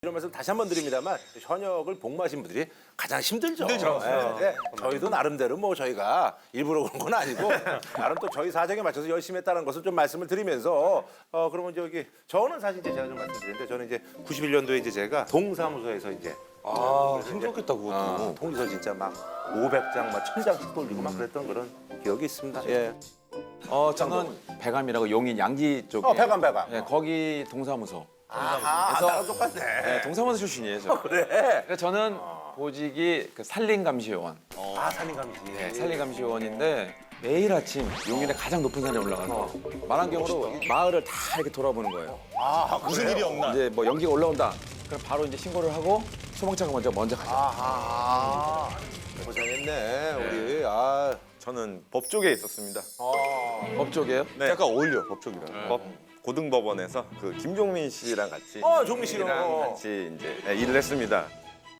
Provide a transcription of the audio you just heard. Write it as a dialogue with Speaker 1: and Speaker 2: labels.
Speaker 1: 이런 말씀 다시 한 번 드립니다만 현역을 복무하신 분들이 가장 힘들죠.
Speaker 2: 힘들죠.
Speaker 1: 네. 저희도 나름대로 뭐 저희가 일부러 그런 건 아니고 나름 또 저희 사정에 맞춰서 열심히 했다는 것을 좀 말씀을 드리면서 그러면 저기 저는 사실 이제 제가 좀 말씀드리는데 저는 이제 91년도에 이제 제가 동사무소에서 이제
Speaker 2: 힘들었겠다 그것도.
Speaker 1: 통지서 진짜 막 500장 막 1000장씩 돌리고 막 그랬던 그런 기억이 있습니다. 예.
Speaker 3: 저는 배감이라고 용인 양지 쪽에.
Speaker 1: 배감.
Speaker 3: 예, 거기 동사무소.
Speaker 1: 나랑 똑같네.
Speaker 3: 네, 동사무소 출신이에요. 저.
Speaker 1: 그래.
Speaker 3: 그래서 저는 보직이 그 산림감시요원.
Speaker 1: 산림감시.
Speaker 3: 네, 산림감시요원인데 매일 아침 용인의 가장 높은 산에 올라가서 만안경으로 마을을 다 이렇게 돌아보는 거예요.
Speaker 2: 무슨 일이 없나?
Speaker 3: 이제 뭐 연기가 올라온다. 그럼 바로 이제 신고를 하고 소방차가 먼저 가죠.
Speaker 1: 고생했네 우리.
Speaker 4: 저는 법 쪽에 있었습니다.
Speaker 3: 법 쪽이에요?
Speaker 4: 네. 약간 어울려 법 쪽이랑. 법 고등법원에서 그 김종민 씨랑 같이
Speaker 1: 종민 씨요.
Speaker 4: 같이 이제 일을 했습니다.